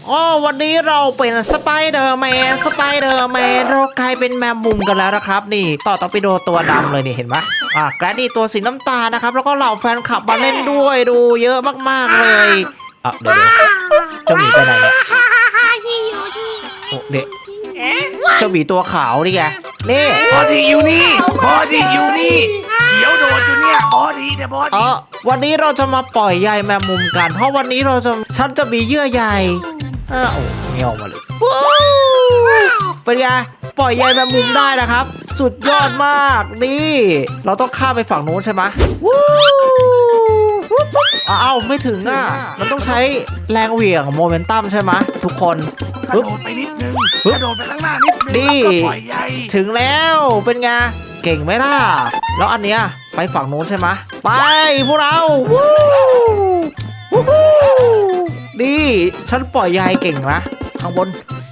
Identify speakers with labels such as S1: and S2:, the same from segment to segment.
S1: อ๋อวันนี้เราเป็นสไปเดอร์แมนเรากลายเป็นแมมมุมกันแล้วนะครับนี่ต่อไปโดตัวดำเลยนี่เห็นไหมแกรนนี่ตัวสีน้ำตาลนะครับแล้วก็เหล่าแฟนคลับมาเล่นด้วยดูเยอะมากๆเลยเดี๋ยวเจ้าหมีไปไหนเนี่ยโอ้เด็กเจ้าหมีตัวขาวนี่ไงนี่
S2: บอดี้อยู่นี่เขียวโดดอยู่เนี่ยบอดี้
S1: วันนี้เราจะมาปล่อยใยแมมมุมกันเพราะวันนี้ฉันจะมีเยื่อใยโอ้ไม่ออกมาเลยเป็นไงปล่อยใยแมมมุมได้นะครับสุดยอดมากนี่เราต้องข้ามไปฝั่งโน้นใช่ไหมไม่ถึงมันต้องใช้แรงเหวี่ยงโมเมนตัมใช่ไหมทุกคน
S2: กระโดดไปนิดนึงกระโดดไปข้างหน้านิดนึง
S1: นี่
S2: ปล่อยใย
S1: ถึงแล้วเป็นไงเก่งไหมล่ะแล้วอันเนี้ยไปฝั่งโน้นใช่ไหมไปพวกเรานี่ฉันปล่อยใยเก่งนะข้างบน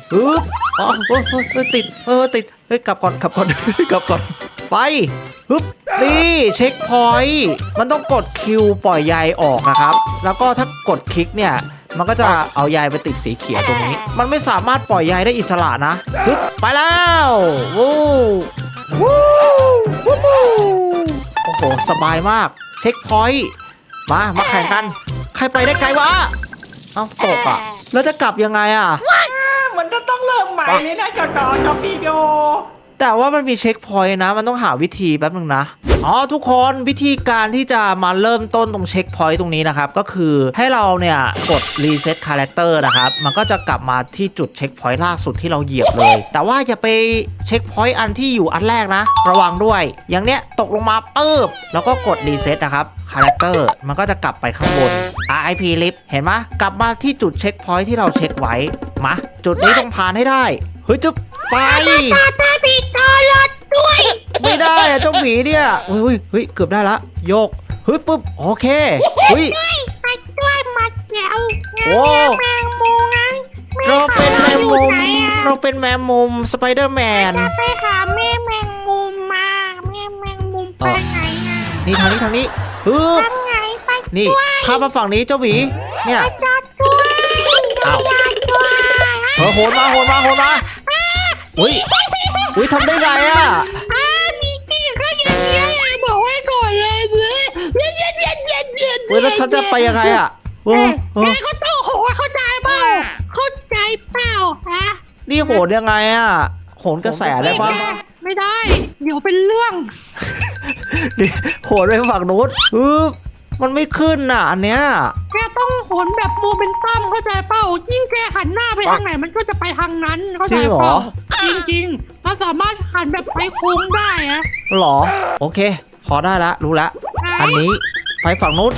S1: ติดกลับก่อนไปนี่เช็คพอยต์มันต้องกดคิวปล่อยใยออกนะครับแล้วก็ถ้ากดคลิกเนี่ยมันก็จะเอาใยไปติดสีเขียวตรงนี้มันไม่สามารถปล่อยใยได้อิสระนะไปแล้วโอ้โหสบายมากเช็คพอยต์มาแข่งกันใครไปได้ไกลวะตกแล้วจะกลับยังไง
S3: มันจะต้องเริ่มใหม่เลยนะจอปีโด
S1: แต่ว่ามันมีเช็คพอยต์นะมันต้องหาวิธีแป๊บนึงนะทุกคนวิธีการที่จะมาเริ่มต้นตรงเช็คพอยต์ตรงนี้นะครับก็คือให้เราเนี่ยกดรีเซ็ตคาแรคเตอร์นะครับมันก็จะกลับมาที่จุดเช็คพอยต์ล่าสุดที่เราเหยียบเลยแต่ว่าอย่าไปเช็คพอยต์อันที่อยู่อันแรกนะระวังด้วยอย่างเนี้ยตกลงมาแล้วก็กดรีเซ็ตนะครับคาแรคเตอร์มันก็จะกลับไปข้างบน RIP Lift เห็นไหมกลับมาที่จุดเช็คพอยต์ที่เราเช็คไว้มาจุดนี้ต้องผ่านให้ได้จะไป
S4: ปิดตลอดด้วย
S1: ไม่ได้เจ้าหมีเนี่ยเฮ้ยเกือบได้ละโยกปุ๊บโอเค
S4: ไปด้วยมาแจ๋วแมงมุม
S1: เราเป็นแมงมุมสไปเดอร์แมน
S4: ไปหาแม่แมงมุมมาแม่แมงมุมไปไหน
S1: นี่ทางนี้
S4: ทางไหนไป
S1: นี่ข้ามมาฝั่งนี้เจ้าหมีเนี่ย
S4: จัดด้วย
S1: โหนมาอุ้ยทำได้ไง
S4: มีที่ก็อย่างเงี้ยบอกไว้ก่อนเลย
S1: แล้วฉันจะไปยังไง
S4: แม่ก็ต้องโหนเข้าใจเปล่าฮะ
S1: นี่โหนยังไงโหนกระแสได้ปะ
S4: ไม่ได้เดี๋ยวเป็นเรื่อง
S1: นี่โหนไปฝั่งนู้นมันไม่ขึ้นอันเนี้ย
S4: แกต้องโหนแบบโมเมนตัมเข้าใจเปล่ายิ่งแกหันหน้าไปทางไหนมันก็จะไปทางนั้นเข้าใจเปล่าจริงมันสามารถหันแบบไปโค้งได้
S1: หรอโอเคพอได้ละรู้ละอันนี้ไปฝั่งนู้น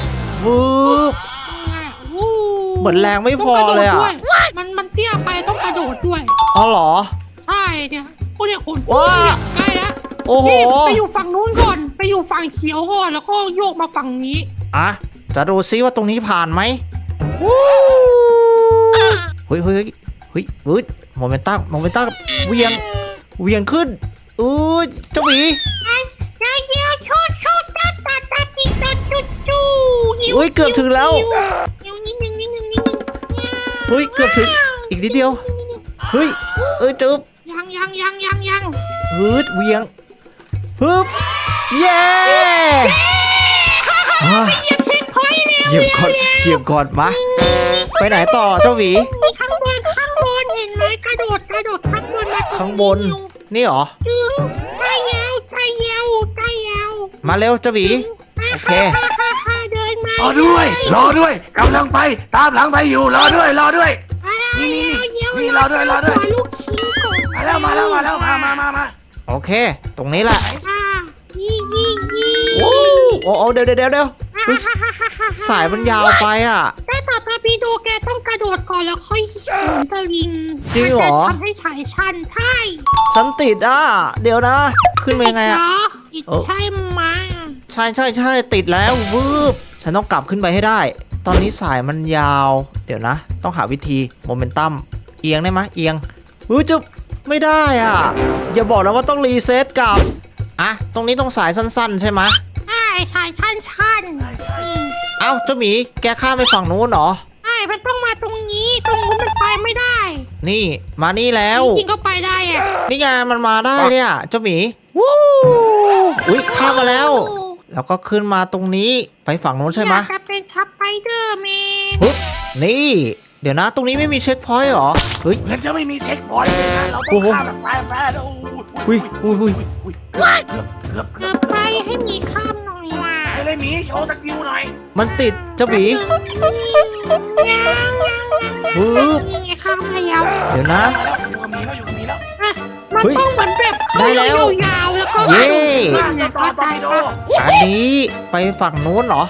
S1: เหมือนแรงไม่พอเลย
S4: มันเตี้ยไปต้องกระโดดด้วย
S1: หรอ
S4: ใช่เนี่ยพวกเนี่ยขนใกล้แล้ว
S1: โอ้โห
S4: ไปอยู่ฝั่งนู้นก่อนไปอยู่ฝั่งเขียวก่อนแล้วก็โยกมาฝั่งนี้
S1: จะดูซิว่าตรงนี้ผ่านไหมเฮ้ยโมเมนตัมเวียงขึ้นเจ้าหมีเกือบถึงแล้วเกือบถึงอีกนิดเดียวจึ๊บ
S4: ยัง
S1: เวียงเย้เหยียบก่อนมาไปไหนต่อเจ้าหวี
S4: ข้างบนเห็นไหมกระโดด
S1: ข้างบนนี่หรอ
S4: ใจยาว
S1: มาเร็วเจ้าหวีโอเค
S4: เดินมาร
S2: อด้วยกำลังไปตามหลังไปอยู่รอด้วยนี่รอด้วยมา
S1: โอเคตรงนี้แหละโอ้เดี๋ยวสายมันยาวไป
S4: แต่ต่อไปพี่ดูแกต้องกระโดดก่อนแล้วค่อยโหนตะลิง
S1: จริงเหรอ
S4: ทำให้ฉายชันใช่
S1: ฉันติดเดี๋ยวนะขึ้นมายังไง
S4: ใช่ไหม
S1: ใช่ติดแล้วฉันต้องกลับขึ้นไปให้ได้ตอนนี้สายมันยาวเดี๋ยวนะต้องหาวิธีโมเมนตัมเอียงได้ไหมเอียงจุ๊บไม่ได้อย่าบอกนะว่าต้องรีเซ็ตกลับตรงนี้ต้องสายสั้นๆใช่ไหม
S4: สายชัน
S1: เจ้าหมีแกข้ามไปฝั่งนู้นเหรอ
S4: มันต้องมาตรงนี้ตรงนู้นมันไปไม่
S1: นี่มานี่แล้ว
S4: จริงๆก็ไปได้อะ
S1: นี่ไงมันมาได้เนี่ยเจ้าหมีวู้อุ้ยข้ามมาแล้ว แล้วก็ขึ้นมาตรงนี้ไปฝั่งโน้นใช่ไหม
S4: อยากจะเป็นสไปเดอร์แมน
S1: ปึ๊บนี่ เดี๋ยวนะตรงนี้ไม่มีเช็คพอยต์เหรอเฮ้ย
S2: เหมือนจะไม่มีเช็คพอยต์เลยนะเราต้องข้ามแบบแฟร์ๆนะโอ้
S1: อุ้ยอุ้ยอุ้ย
S2: เกือบ
S4: เกือบไปให้มีข้ามหน่อยล่ะ
S2: ไปเลยหมีโชว์สกิลหน่อย
S1: มันติดเจ้าหมี ปึ๊บ
S4: นี่ไงข้ามแล้ว
S1: เดี๋ยวนะ
S2: อยู่กับหมีแล้วอยู่กับหมีแล้ว
S4: อ่ะมัน
S1: เฮ้ย
S4: ต้องเหมือนแบบ
S1: ได้แล้ว
S4: ยาวๆแล้วก็
S1: เย้
S2: ต่อต่อต่อโด
S1: อันนี้ไปฝั่งโน้นเหรอ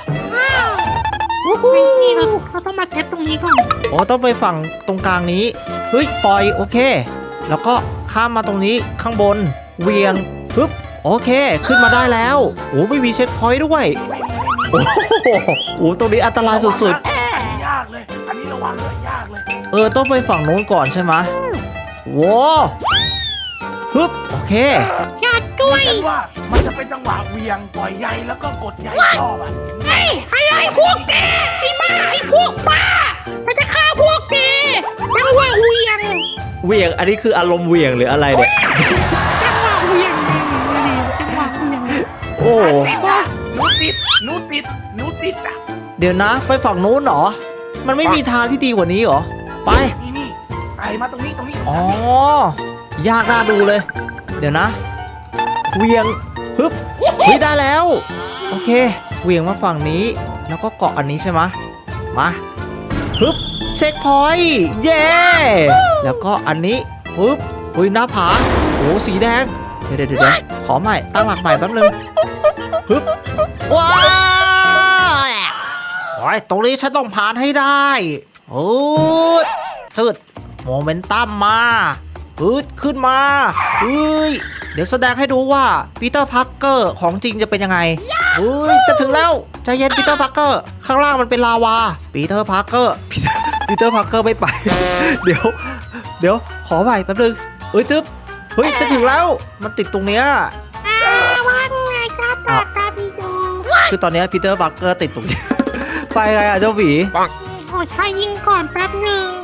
S4: นี่เราต้องมาเซฟตรงนี้ก่อน
S1: โอ้ต้องไปฝั่งตรงกลางนี้เฮ้ยปล่อยโอเค แล้วก็ข้ามมาตรงนี้ข้างบนเวียงปึ๊บโอเค ขึ้นมาได้แล้วโอ้ไม่มีเช็คพอยต์ด้วย โอ้โหโอ้ตรงนี้อันตรายสุด
S2: อันนี้ยากเลย อันนี้ระวังเลยยากเลย
S1: ๆต้องไปฝั่งโน้นก่อนใช่ไหมว้าวปึ๊บโอเค
S4: อย่าด้วย
S2: ฉันว่ามันจะเป็นจังหวะเหวียงปล่อยใยแล้วก็กดใยรอบอ่ะ
S4: ไอ้อะไรพวกแกไอ้บ้าไอ้พวกบ้ามันจะฆ่าพวกแกจังหวะเวียง
S1: เวียงอันนี้คืออารมณ์เวียงหรืออะไรเนี่ย
S4: จังหวะเวียงจังหวะเวียง
S1: โอ้
S2: หนูติดหนูติดหนูติดอ่ะ
S1: เดี๋ยวนะไปฝั่งโน้นเหรอมันไม่มีทางที่ดีกว่านี้เหรอไป
S2: นี่ไต่มาตรงนี้ตรงนี้
S1: อ๋อยากน่าดูเลย เดี๋ยวนะเวียงฮึบเฮ้ยได้แล้วโอเคเวียงมาฝั่งนี้แล้วก็เกาะอันนี้ใช่ไหมมาฮึบเช็คพอยต์เย้แล้วก็อันนี้ฮึบอุ้ยหน้าผาโอ้สีแดงเดี๋ยวขอใหม่ตั้งหลักใหม่แป๊บนึงฮึบว้าวโอ้ยตรงนี้ฉันต้องผ่านให้ได้โอ้จืดโมเมนตัมมาขึ้นมาเฮ้ยเดี๋ยวแสดงให้ดูว่าปีเตอร์พาร์เกอร์ของจริงจะเป็นยังไงเฮ้ยจะถึงแล้วใจเย็นปีเตอร์พาร์เกอร์ข้างล่างมันเป็นลาวาปีเตอร์พาร์เกอร์ปีเตอร์พาร์เกอร์ไม่ไป เดี๋ยวขอใหม่แป๊บนึงจึ๊บเฮ้ยจะถึงแล้วมันติดตรงเนี้ย
S4: ว่าไงจ้าตาตาพี่โด
S1: คือตอนเนี้ปีเตอร์พาร์เกอร์ติดตรงนี้ ไปไงอ่ะเจ้าหวี
S4: ขอชายยิงก่อนแป๊บหนึ่ง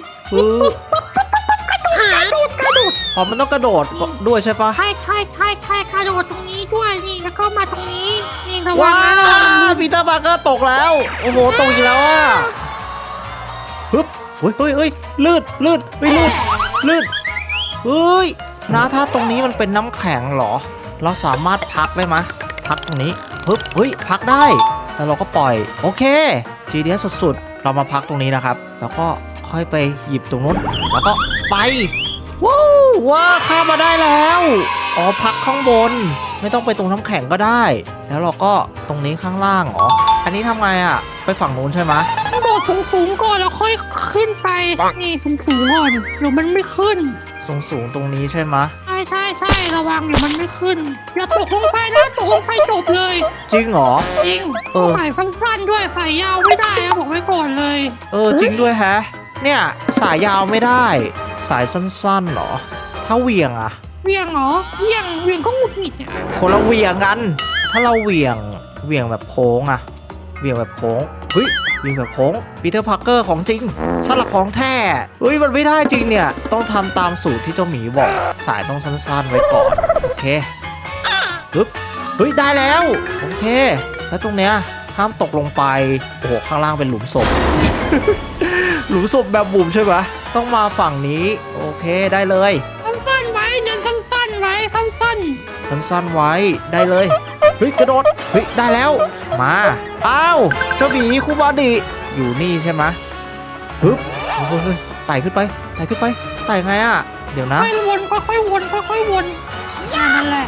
S4: กระโดด
S1: อ๋อมันต้องกระโดดด้วยใช่ปะ
S4: ใช่กระโดดตรงนี้ด้วยนี่แล้วก็มาตรงนี้นี่ระวั
S1: ว้าง
S4: นะระวัง
S1: ปีเตอร์พาร์เกอร์ตกแล้วโอ้โหตกอีกแล้วอ่ะฮึบเฮ้ยลื่นเฮ้ยนะถ้าตรงนี้มันเป็นน้ำแข็งเหรอเราสามารถพักได้ไหมพักตรงนี้ฮึบเฮ้ยพักได้แล้วเราก็ปล่อยโอเค GDS สุดๆเรามาพักตรงนี้นะครับแล้วก็ค่อยไปหยิบตรงนู้นแล้วก็ไปว้าวข้ามมาได้แล้วอ๋อพักข้างบนไม่ต้องไปตรงน้ำแข็งก็ได้ แล้วเราก็ตรงนี้ข้างล่างอ๋ออันนี้ทำไงอ่ะไปฝั่งนู้นใช่ไหม
S4: โดดสูงก่อนแล้วค่อยขึ้นไปนี่สูงก่อนเดี๋ยวมันไม่ขึ้น
S1: สูงตรงนี้ใช่ไหม
S4: ใช่ระวังเดี๋ยวมันไม่ขึ้นอย่าตกลงไปนะตกลงไปจบเลย
S1: จริงเหรอ
S4: จริงใส่สั้นๆด้วยใส่ยาวไม่ได้นะบอกไว้ก่อนเลย
S1: จริงด้วยแฮะเนี่ยสายยาวไม่ได้ สายสั้นๆเหรอถ้าเหวี่ยงอะ
S4: เวียงเหรอเวียงก็หงุดหงิดเนี่ย
S1: คนละเหวี่ยงกัน ถ้าเราเหวี่ยงแบบโค้งอะเหวี่ยงแบบโค้งเฮ้ยเหวี่ยงแบบโค้งปีเตอร์พาร์เกอร์ของจริงสลักของแท้เฮ้ยมันไม่ได้จริงเนี่ยต้องทำตามสูตรที่เจ้าหมีบอกสายต้องสั้นๆไว้ก่อนโอเคปึ๊บเฮ้ยได้แล้วโอเคแล้วตรงเนี้ยห้ามตกลงไปโอ้โหข้างล่างเป็นหลุมศพ หลุมศพแบบบุ๋มใช่ไหมต้องมาฝั่งนี้โอเคได้เลย
S4: สั้นๆไว้เดินสั้นๆไว้สั้น
S1: สั้นๆไว้ได้เลยเฮ้ยกระโดดเฮ้ยได้แล้วมาอ้าวเจ้าหมีคุบาดิอยู่นี่ใช่ไหมฮึบเฮ้ยไต่ขึ้นไปไต่ไงอ่ะเดี๋ยว
S4: ๆ
S1: นะ
S4: ค่อยวนค่อยๆวนค่อยๆวนนั่นแหละ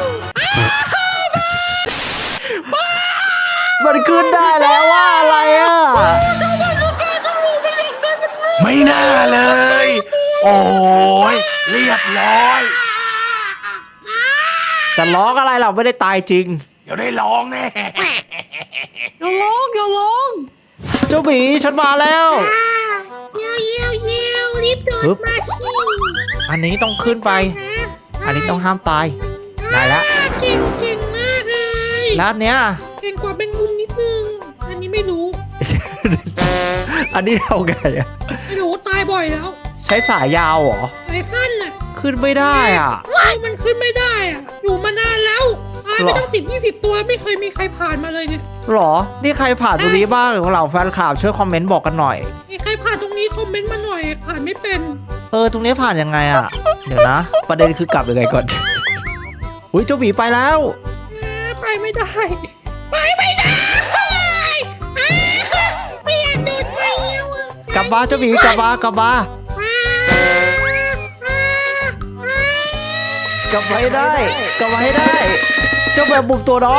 S1: มันขึ้นได้แล้วว่าอะไรอ่ะ
S2: ไม่น่าเลย โอ้ยเรียบร้อย
S1: จะร้องอะไรเราไม่ได้ตายจริง
S2: เดี๋ยวได้ร้องแน่
S4: อย่าลง
S1: เจ้าหมีฉันมาแล้ว
S4: เยี่ยวรีบเดินมาสิ
S1: อันนี้ต้องขึ้นไป อันนี้ต้องห้ามตายได้แล้ว
S4: เก่งมากเลย
S1: แล้วอันเนี้ย
S4: เก่งกว่าเป็นมุมนิดนึงอันนี้ไม่รู้
S1: อันนี้เอาไงอ่ะ
S4: ไม่รู้ตายบ่อยแล้ว
S1: ใช้สายยาวเหรอ
S4: ไอ้สั้นน่ะ
S1: ขึ้นไม่ได้อ่ะ
S4: มันขึ้นไม่ได้อ่ะอยู่มานานแล้วตายไปตั้ง10-20 ตัวไม่เคยมีใครผ่านมาเลยเนี่ย
S1: หรอ นี่ใครผ่านตรงนี้บ้างของเราแฟนข่าวช่วยคอมเมนต์บอกกันหน่อย
S4: มีใครผ่านตรงนี้คอมเมนต์มาหน่อยผ่านไม่เป็น
S1: ตรงนี้ผ่านยังไงอ่ะ เดี๋ยวนะ ประเด็นคือกลับยังไงก่อน อุ้ยเจ้าหมีไปแล้ว
S4: ไปไม่ได้ไปไม่ได้ไม่อยากเดินไปแล้วอะ
S1: กลับมาเจ้าหมีกลับมากลับมา กลับมาให้ได้ กลับมาให้ได้ เจ้าแบบบุกตัวน้อย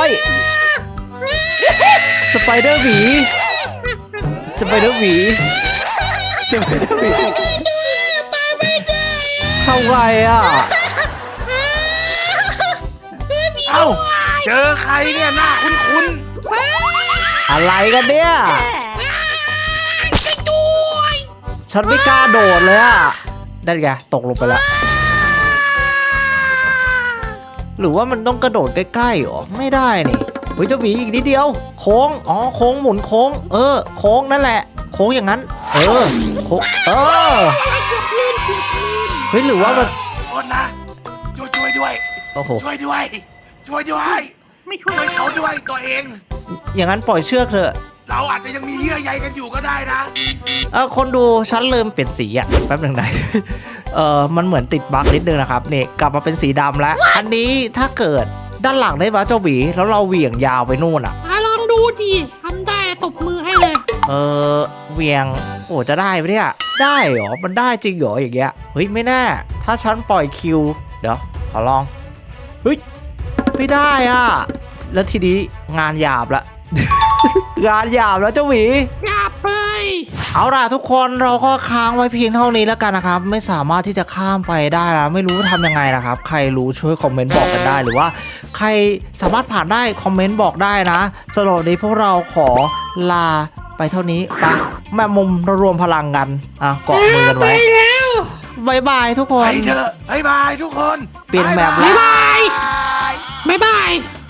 S1: สไปเดอร์หมี สไปเดอร์หมี สไปเดอร์หมีทำไงอ่ะ
S2: เอ้าเจอใครเนี่ยหน้าคุ้น
S1: อะไรกันเนี่ย ฉันไม่กล้าโดดเลยอ่ะได้ไงตกลงไปแล้ว หรือว่ามันต้องกระโดดใกล้ๆหรอ ไม่ได้นี่เฮ้ยเจ้าหมีอีกนิดเดียว โค้ง อ๋อ โค้งหมุนโค้ง โค้งนั่นแหละ โค้งอย่างนั้น โค้งเฮ้ยหรือว่ามัน
S2: ๆโทษนะช่วยด้วย
S1: โอ้โห
S2: ช่วยด้วย
S4: ไม่ช่วย
S2: ช่วยเขาด้วยตัวเอง
S1: อย่างนั้นปล่อยเชือกเถอะ
S2: เราอาจจะยังมีเยื่อใยกันอยู่ก็ได้นะ
S1: คนดูฉันลืมเปลี่ยนสีอ่ะแป๊บหนึ่งนะ มันเหมือนติดบั๊กนิดนึงนะครับนี่กลับมาเป็นสีดำแล้ว อันนี้ถ้าเกิดด้านหลังได้ปะเจ้าหวีแล้วเราเหวี่ยงยาวไปนู่นอ่ะ
S4: ลองดูดิทำได้ตบมือให้เลย
S1: เหวี่ยงโอ้จะได้ปะเนี่ยได้เหรอมันได้จริงเหรออย่างเงี้ยเฮ้ยไม่แน่ถ้าฉันปล่อยคิวเดี๋ยวขอลองเฮ้ยไม่ได้อ่ะแล้วทีนี้งานหยาบละ งานหยาบแล้วเจ้าหวี
S4: อย่าไป
S1: เอาล่ะทุกคนเราก็ค้างไว้เพียงเท่านี้แล้วกันนะครับไม่สามารถที่จะข้ามไปได้แล้วไม่รู้ทำยังไงนะครับใครรู้ช่วยคอมเมนต์บอกกันได้หรือว่าใครสามารถผ่านได้คอมเมนต์บอกได้นะสำหรับวันนี้พวกเราขอลาไปเท่านี้ไปแม่มุมรวมพลังกันเกาะมือกันไว้
S4: ไปแล้ว
S1: บายบายทุกค
S2: ไป
S1: น
S2: เถอะบ๊ายบายทุกคน
S1: เปลี่ยนแบบ
S2: บ๊ายบาย
S4: บ๊ายบาย